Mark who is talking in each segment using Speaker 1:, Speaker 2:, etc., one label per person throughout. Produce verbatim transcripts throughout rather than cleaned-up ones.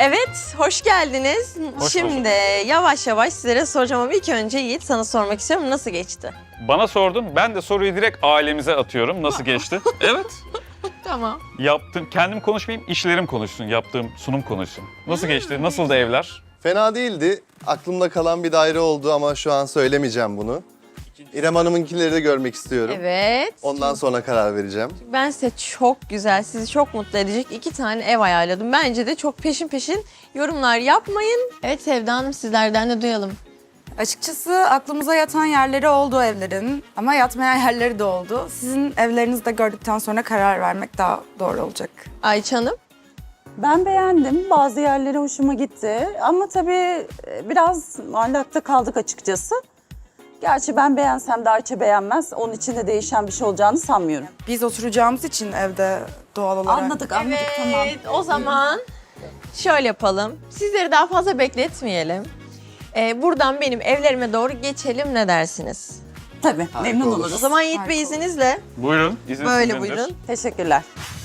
Speaker 1: Evet, hoş geldiniz.
Speaker 2: Hoş
Speaker 1: Şimdi
Speaker 2: bulduk.
Speaker 1: yavaş yavaş sizlere soracağım ama ilk önce Yiğit sana sormak istiyorum. Nasıl geçti?
Speaker 2: Bana sordun, ben de soruyu direkt ailemize atıyorum. Nasıl geçti? Evet.
Speaker 1: Tamam.
Speaker 2: Yaptım, kendim konuşmayayım, işlerim konuşsun, yaptığım sunum konuşsun. Nasıl geçti? Nasıldı evler?
Speaker 3: Fena değildi. Aklımda kalan bir daire oldu ama şu an söylemeyeceğim bunu. İrem Hanım'ınkileri de görmek istiyorum.
Speaker 1: Evet.
Speaker 3: Ondan sonra karar vereceğim.
Speaker 1: Ben size çok güzel, sizi çok mutlu edecek iki tane ev ayarladım. Bence de çok peşin peşin yorumlar yapmayın. Evet Sevda Hanım, sizlerden de duyalım.
Speaker 4: Açıkçası aklımıza yatan yerleri oldu evlerin ama yatmayan yerleri de oldu. Sizin evlerinizi de gördükten sonra karar vermek daha doğru olacak.
Speaker 1: Ayça Hanım.
Speaker 5: Ben beğendim. Bazı yerleri hoşuma gitti. Ama tabii biraz muallakta kaldık açıkçası. Gerçi ben beğensem de Ayça beğenmez. Onun için de değişen bir şey olacağını sanmıyorum.
Speaker 4: Biz oturacağımız için evde doğal olarak.
Speaker 5: Anladık, anladık. Tamam.
Speaker 1: Evet, o zaman şöyle yapalım. Sizleri daha fazla bekletmeyelim. Ee, buradan benim evlerime doğru geçelim, ne dersiniz?
Speaker 5: Tabii, memnun
Speaker 3: olur.
Speaker 1: O
Speaker 5: oluruz.
Speaker 1: zaman Yiğit
Speaker 4: Harika
Speaker 1: Bey
Speaker 4: olur.
Speaker 1: izninizle
Speaker 2: Buyurun, izin
Speaker 1: böyle
Speaker 2: sizindir.
Speaker 1: buyurun.
Speaker 5: Teşekkürler.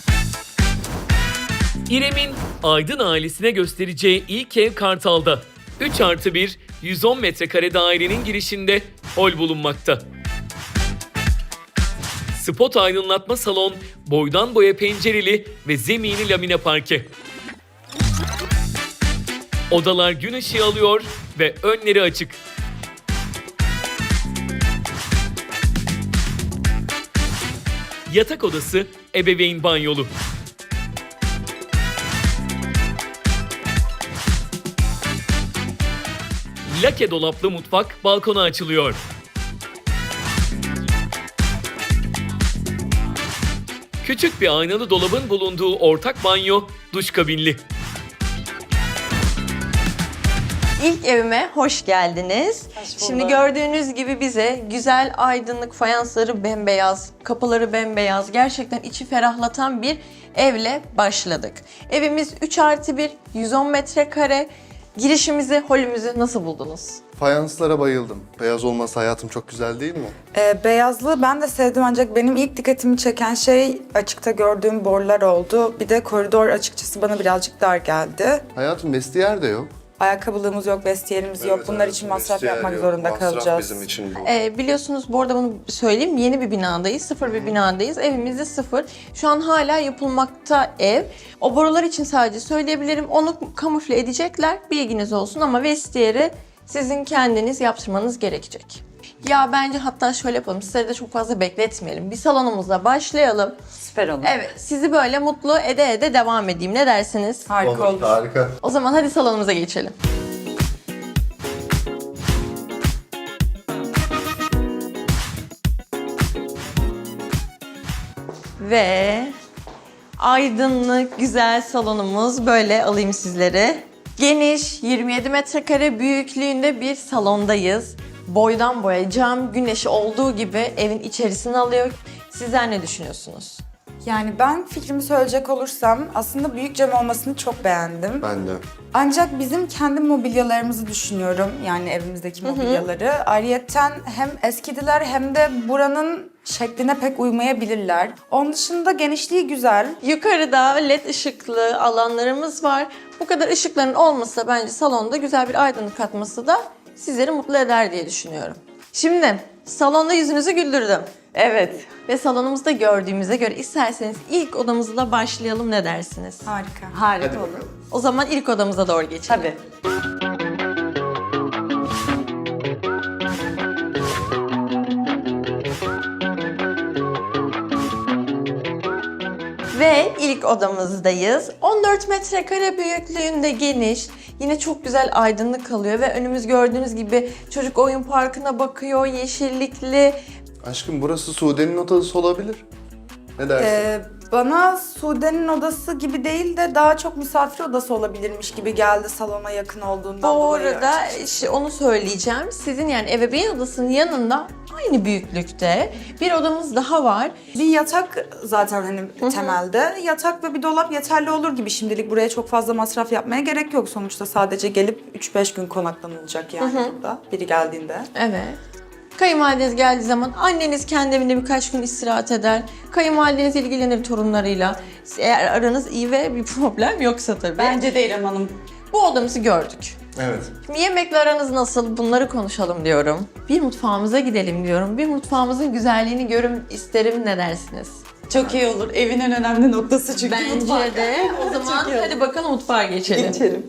Speaker 6: İrem'in Aydın ailesine göstereceği ilk ev Kartal'da. üç artı bir, yüz on metrekare dairenin girişinde hol bulunmakta. Spot aydınlatma salon, boydan boya pencereli ve zemini lamine parke. Odalar gün ışığı alıyor ve önleri açık. Yatak odası, ebeveyn banyolu. Lake dolaplı mutfak balkona açılıyor. Küçük bir aynalı dolabın bulunduğu ortak banyo, duş kabinli.
Speaker 1: İlk evime hoş geldiniz. Şimdi gördüğünüz gibi bize güzel aydınlık, fayansları bembeyaz, kapıları bembeyaz, gerçekten içi ferahlatan bir evle başladık. Evimiz üç artı bir, yüz on metrekare. Girişimizi, holümüzü nasıl buldunuz?
Speaker 3: Fayanslara bayıldım. Beyaz olması hayatım çok güzel değil mi?
Speaker 4: Ee, beyazlığı ben de sevdim ancak benim ilk dikkatimi çeken şey açıkta gördüğüm borular oldu. Bir de koridor açıkçası bana birazcık dar geldi.
Speaker 3: Hayatım vestiyer de yok.
Speaker 4: Ayakkabılığımız yok, vestiyerimiz yok. Bunlar için masraf yapmak zorunda kalacağız.
Speaker 3: bizim için bu.
Speaker 1: Ee, biliyorsunuz bu arada bunu söyleyeyim, yeni bir binadayız, sıfır bir binadayız. Evimizde sıfır. Şu an hala yapılmakta ev. O borular için sadece söyleyebilirim. Onu kamufle edecekler, bilginiz olsun ama vestiyeri sizin kendiniz yaptırmanız gerekecek. Ya bence hatta şöyle yapalım, sizleri de çok fazla bekletmeyelim. Bir salonumuzla başlayalım.
Speaker 5: Süper olur.
Speaker 1: Evet, sizi böyle mutlu ede ede devam edeyim. Ne dersiniz?
Speaker 4: Harika olur.
Speaker 3: Harika.
Speaker 1: O zaman hadi salonumuza geçelim. Ve aydınlık, güzel salonumuz, böyle alayım sizleri. Geniş, yirmi yedi metrekare büyüklüğünde bir salondayız. Boydan boya cam, güneşi olduğu gibi evin içerisini alıyor. Sizler ne düşünüyorsunuz?
Speaker 4: Yani ben fikrimi söyleyecek olursam aslında büyük cam olmasını çok beğendim.
Speaker 3: Ben de.
Speaker 4: Ancak bizim kendi mobilyalarımızı düşünüyorum. Yani evimizdeki mobilyaları. Ayrıyeten hem eskidiler hem de buranın şekline pek uymayabilirler. Onun dışında genişliği güzel.
Speaker 1: Yukarıda led ışıklı alanlarımız var. Bu kadar ışıkların olması da bence salonda güzel bir aydınlık katması da sizleri mutlu eder diye düşünüyorum. Şimdi salonda yüzünüzü güldürdüm.
Speaker 5: Evet.
Speaker 1: Ve salonumuzda gördüğümüze göre isterseniz ilk odamızla başlayalım, ne dersiniz?
Speaker 4: Harika.
Speaker 5: Harika olur.
Speaker 1: O zaman ilk odamıza doğru geçelim.
Speaker 5: Tabii.
Speaker 1: Ve ilk odamızdayız. on dört metrekare büyüklüğünde, geniş. Yine çok güzel aydınlık kalıyor ve önümüz gördüğünüz gibi çocuk oyun parkına bakıyor, yeşillikli.
Speaker 3: Aşkım burası Sude'nin odası olabilir. Ne dersin?
Speaker 4: Ee, bana Sude'nin odası gibi değil de daha çok misafir odası olabilirmiş gibi geldi salona yakın olduğundan
Speaker 1: Bu
Speaker 4: dolayı.
Speaker 1: arada işte onu söyleyeceğim. Sizin yani ebeveyn odasının yanında aynı büyüklükte bir odamız daha var.
Speaker 4: Bir yatak zaten hani temelde. Yatak ve bir dolap yeterli olur gibi şimdilik. Buraya çok fazla masraf yapmaya gerek yok. Sonuçta sadece gelip üç beş gün konaklanılacak yani burada biri geldiğinde.
Speaker 1: Evet. Kayınvalideniz geldiği zaman anneniz kendi evinde birkaç gün istirahat eder. Kayınvalideniz ilgilenir torunlarıyla. Eğer aranız iyi ve bir problem yoksa tabii.
Speaker 5: Bence de İrem Hanım.
Speaker 1: Bu odamızı gördük.
Speaker 3: Evet.
Speaker 1: Şimdi yemekle aranız nasıl? Bunları konuşalım diyorum. Bir mutfağımıza gidelim diyorum. Bir mutfağımızın güzelliğini görün isterim, ne dersiniz?
Speaker 5: Çok iyi olur. Evin en önemli noktası çünkü mutfak.
Speaker 1: Bence de. O zaman
Speaker 5: Çok iyi
Speaker 1: hadi bakalım mutfağa geçelim.
Speaker 5: Geçelim.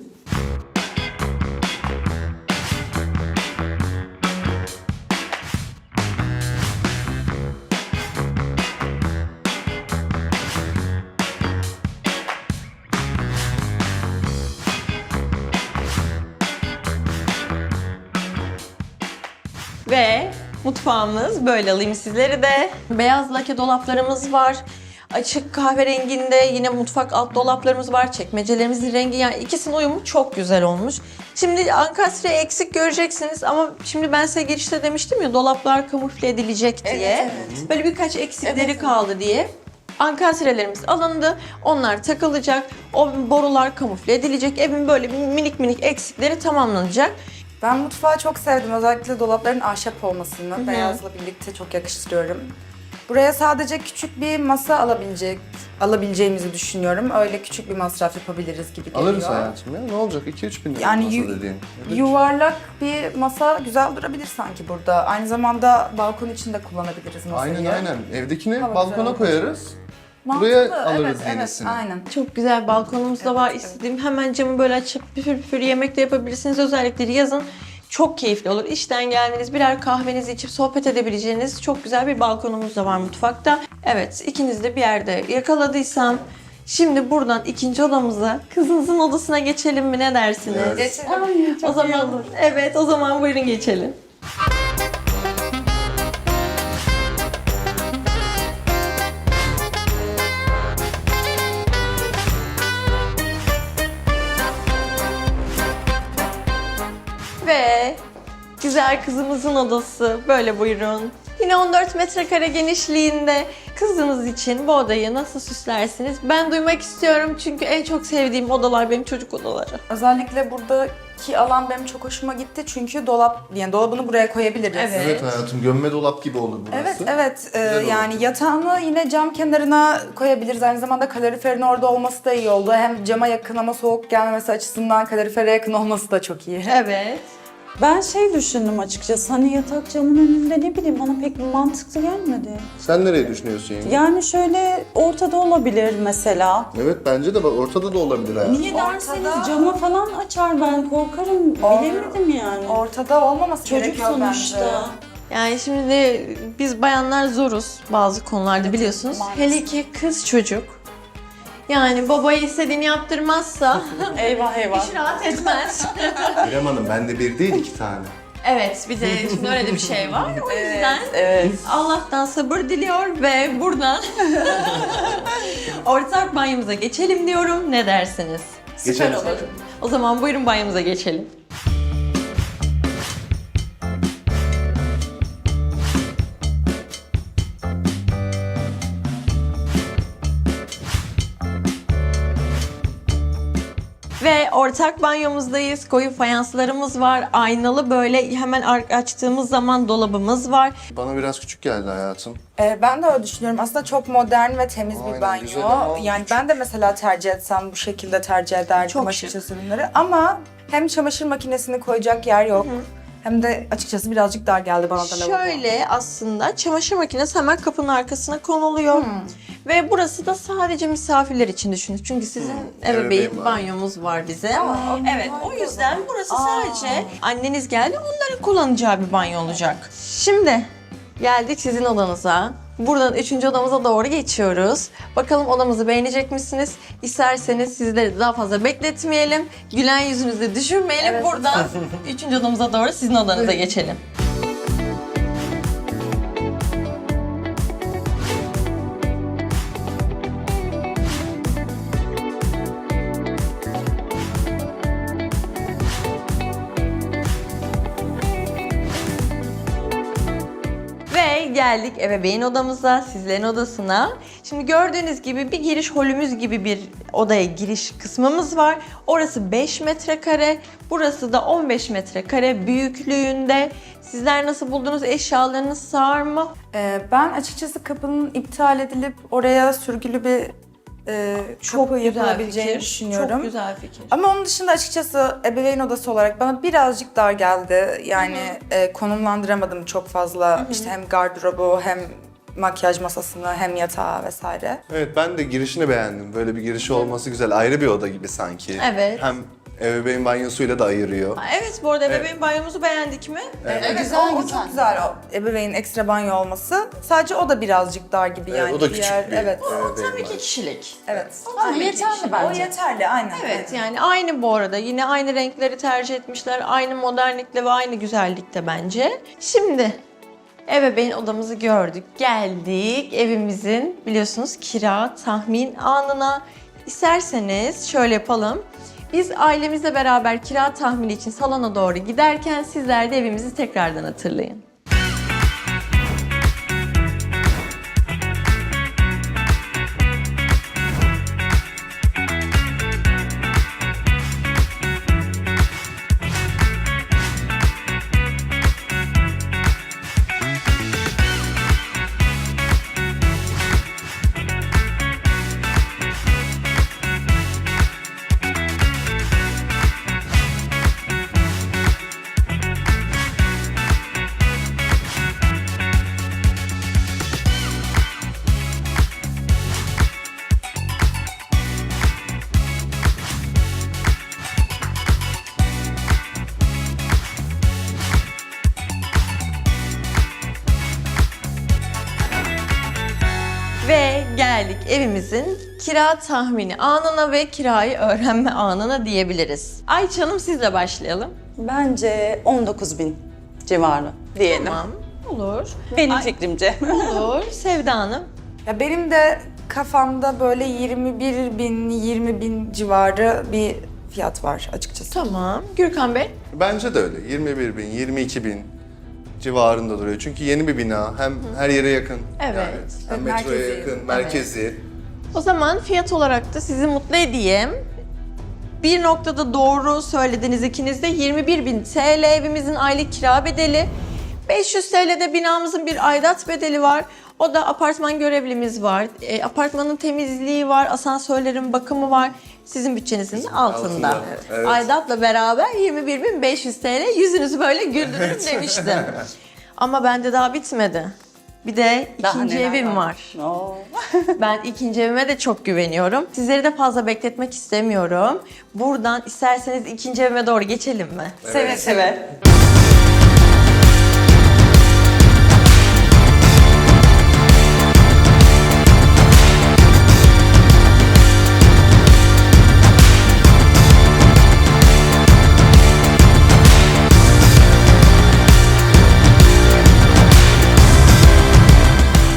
Speaker 1: Ve mutfağımız böyle, alayım sizleri de. Beyaz lake dolaplarımız var. Açık kahverenginde yine mutfak alt dolaplarımız var. Çekmecelerimizin rengi, yani ikisinin uyumu çok güzel olmuş. Şimdi ankastre eksik göreceksiniz ama şimdi ben size girişte demiştim ya, dolaplar kamufle edilecek diye.
Speaker 4: Evet, evet.
Speaker 1: Böyle birkaç eksikleri
Speaker 4: Evet.
Speaker 1: kaldı diye. Ankastrelerimiz alındı. Onlar takılacak. O borular kamufle edilecek. Evin böyle minik minik eksikleri tamamlanacak.
Speaker 4: Ben mutfağı çok sevdim. Özellikle dolapların ahşap olmasını beyazla birlikte çok yakıştırıyorum. Buraya sadece küçük bir masa alabilecek, alabileceğimizi düşünüyorum. Öyle küçük bir masraf yapabiliriz gibi geliyor.
Speaker 3: Alırız hayatım ya. Ne olacak? iki üç bin lira
Speaker 4: Yani
Speaker 3: masa
Speaker 4: yu-
Speaker 3: dediğin. Evet.
Speaker 4: Yuvarlak bir masa güzel durabilir sanki burada. Aynı zamanda balkon için de kullanabiliriz masayı.
Speaker 3: Aynen aynen. Evdekini
Speaker 4: Hava
Speaker 3: balkona
Speaker 4: güzel.
Speaker 3: koyarız.
Speaker 4: Mantıklı,
Speaker 3: Buraya alırız
Speaker 4: evet,
Speaker 3: yenisini.
Speaker 4: Evet, aynen.
Speaker 1: Çok güzel balkonumuz da var. İstediğim hemen camı böyle açıp püfür püfür yemek de yapabilirsiniz. Özellikle yazın çok keyifli olur. İşten geldiniz, birer kahvenizi içip sohbet edebileceğiniz çok güzel bir balkonumuz da var mutfakta. Evet, ikiniz de bir yerde yakaladıysam şimdi buradan ikinci odamıza, kızınızın odasına geçelim mi, ne dersiniz?
Speaker 3: Evet.
Speaker 4: Geçelim.
Speaker 5: Ay, çok
Speaker 1: O zaman
Speaker 5: iyi olur.
Speaker 1: evet, o zaman buyurun geçelim. Ve güzel kızımızın odası, böyle buyurun. Yine on dört metrekare genişliğinde kızınız için bu odayı nasıl süslersiniz? Ben duymak istiyorum çünkü en çok sevdiğim odalar benim çocuk odaları.
Speaker 4: Özellikle buradaki alan benim çok hoşuma gitti çünkü dolap, yani dolabını buraya koyabiliriz.
Speaker 1: Evet.
Speaker 3: Evet hayatım, gömme dolap gibi olur burası.
Speaker 4: Evet, evet. Ee,
Speaker 3: Güzel olur.
Speaker 4: yani yatağını yine cam kenarına koyabiliriz. Aynı zamanda kaloriferin orada olması da iyi oldu. Hem cama yakın ama soğuk gelmemesi açısından kalorifere yakın olması da çok iyi.
Speaker 1: Evet.
Speaker 5: Ben şey düşündüm açıkçası, hani yatak camın önünde, ne bileyim, bana pek mantıklı gelmedi.
Speaker 3: Sen nereye düşünüyorsun yenge?
Speaker 5: Yani şöyle ortada olabilir mesela.
Speaker 3: Evet bence de bak, ortada da olabilir hayatım.
Speaker 5: Niye
Speaker 4: Ortada-
Speaker 5: derseniz cama falan açar, ben korkarım,
Speaker 4: Or-
Speaker 5: bilemedim yani.
Speaker 4: Ortada olmaması
Speaker 5: Çocuk
Speaker 4: gerekiyor
Speaker 5: sonuçta.
Speaker 4: bence.
Speaker 1: Yani şimdi de biz bayanlar zoruz bazı konularda, biliyorsunuz.
Speaker 5: maalesef.
Speaker 1: Hele ki kız çocuk. Yani babaya istediğini yaptırmazsa
Speaker 5: Eyvah eyvah.
Speaker 1: hiç rahat etmez.
Speaker 3: İrem Hanım, bende bir değil iki tane.
Speaker 1: Evet, bir de şimdi öyle de bir şey var. O yüzden
Speaker 5: Evet.
Speaker 1: Allah'tan sabır diliyor ve buradan ortak banyomuza geçelim diyorum. Ne dersiniz?
Speaker 3: Geçelim.
Speaker 1: Süper olur. O zaman buyurun banyomuza geçelim. Ve ortak banyomuzdayız. Koyu fayanslarımız var. Aynalı böyle hemen ar- açtığımız zaman dolabımız var.
Speaker 3: Bana biraz küçük geldi hayatım.
Speaker 4: Ee, ben de öyle düşünüyorum. Aslında çok modern ve temiz
Speaker 3: Aynen,
Speaker 4: bir banyo.
Speaker 3: güzel ama
Speaker 4: Yani
Speaker 3: küçük.
Speaker 4: ben de mesela tercih etsem bu şekilde tercih ederdim
Speaker 1: Çok
Speaker 4: açıkçası ürünleri. Ama hem çamaşır makinesini koyacak yer yok. Hem de açıkçası birazcık dar geldi bana da lavabo.
Speaker 1: Şöyle aslında çamaşır makinesi hemen kapının arkasına konuluyor. Ve burası da sadece misafirler için düşünün. Çünkü sizin ebeveyn
Speaker 3: Ebeveyn var.
Speaker 1: banyomuz var bize.
Speaker 4: Aa,
Speaker 1: Evet, o yüzden burası
Speaker 4: Aa.
Speaker 1: sadece anneniz geldi, onların kullanacağı bir banyo olacak. Şimdi geldik sizin odanıza. Buradan üçüncü odamıza doğru geçiyoruz. Bakalım odamızı beğenecek misiniz? İsterseniz sizleri daha fazla bekletmeyelim. Gülen yüzünüzü düşürmeyelim.
Speaker 4: Evet.
Speaker 1: Buradan üçüncü odamıza doğru sizin odanıza geçelim. Ve geldik ebeveyn odamıza, sizlerin odasına. Şimdi gördüğünüz gibi bir giriş holümüz gibi bir odaya giriş kısmımız var. Orası beş metrekare, burası da on beş metrekare büyüklüğünde. Sizler nasıl buldunuz? Eşyalarınız sığar mı?
Speaker 4: Ee, ben açıkçası kapının iptal edilip oraya sürgülü bir e, kapı yapılabileceğini düşünüyorum.
Speaker 1: Çok güzel fikir.
Speaker 4: Ama onun dışında açıkçası ebeveyn odası olarak bana birazcık dar geldi. Yani e, konumlandıramadım çok fazla. İşte hem gardırobu hem makyaj masasını hem yatağı vesaire.
Speaker 3: Evet, ben de girişini beğendim. Böyle bir girişi olması güzel. Ayrı bir oda gibi sanki.
Speaker 1: Evet.
Speaker 3: Hem ebeveyn banyosuyla da ayırıyor.
Speaker 1: Evet, bu arada ebeveyn banyomuzu beğendik mi?
Speaker 4: Evet,
Speaker 5: güzel,
Speaker 4: o, o
Speaker 5: güzel.
Speaker 4: çok güzel o ebeveynin ekstra banyo olması. Sadece o da birazcık dar gibi
Speaker 3: Evet,
Speaker 4: yani.
Speaker 3: o da küçük
Speaker 4: Diğer,
Speaker 3: bir
Speaker 4: evet.
Speaker 3: ebeveyn
Speaker 1: Tabii ki
Speaker 3: banyosu.
Speaker 1: kişilik.
Speaker 4: Evet.
Speaker 5: Tabii yeterli
Speaker 4: O
Speaker 5: bence.
Speaker 4: yeterli, aynen.
Speaker 1: Evet, yani aynı bu arada. Yine aynı renkleri tercih etmişler. Aynı modernlikte ve aynı güzellikte bence. Şimdi ebeveyn odamızı gördük. Geldik evimizin biliyorsunuz kira tahmin anına. İsterseniz şöyle yapalım. Biz ailemizle beraber kira tahmini için salona doğru giderken sizler de evimizi tekrardan hatırlayın. Ve geldik evimizin kira tahmini anına ve kirayı öğrenme anına diyebiliriz. Ayça Hanım, sizle başlayalım.
Speaker 5: Bence on dokuz bin civarı diyelim.
Speaker 1: Tamam, olur.
Speaker 5: Benim
Speaker 1: Ay-
Speaker 5: fikrimce.
Speaker 1: Olur. Sevda Hanım.
Speaker 4: Ya benim de kafamda böyle yirmi bir bin, yirmi bin civarı bir fiyat var açıkçası.
Speaker 1: Tamam. Gürkan Bey.
Speaker 3: Bence de öyle. yirmi bir bin, yirmi iki bin civarında duruyor. Çünkü yeni bir bina. Hem her yere yakın.
Speaker 1: Evet.
Speaker 3: Yani. Hem
Speaker 4: Evet,
Speaker 3: metroya
Speaker 4: merkezi.
Speaker 3: yakın, merkezi.
Speaker 1: O zaman fiyat olarak da sizi mutlu edeyim. Bir noktada doğru söylediniz ikiniz de. yirmi bir bin T L evimizin aylık kira bedeli. beş yüz T L'de binamızın bir aidat bedeli var. O da apartman görevlimiz var. E, apartmanın temizliği var, asansörlerin bakımı var. Sizin bütçenizin de altında.
Speaker 3: Altında, evet.
Speaker 1: Aidatla beraber yirmi bir bin beş yüz T L, yüzünüzü böyle güldürün demiştim. Ama bende daha bitmedi. Bir de
Speaker 5: Daha
Speaker 1: ikinci
Speaker 5: neler
Speaker 1: evim var.
Speaker 5: Oo.
Speaker 1: Ben ikinci evime de çok güveniyorum. Sizleri de fazla bekletmek istemiyorum. Buradan isterseniz ikinci evime doğru geçelim mi?
Speaker 5: Seve seve.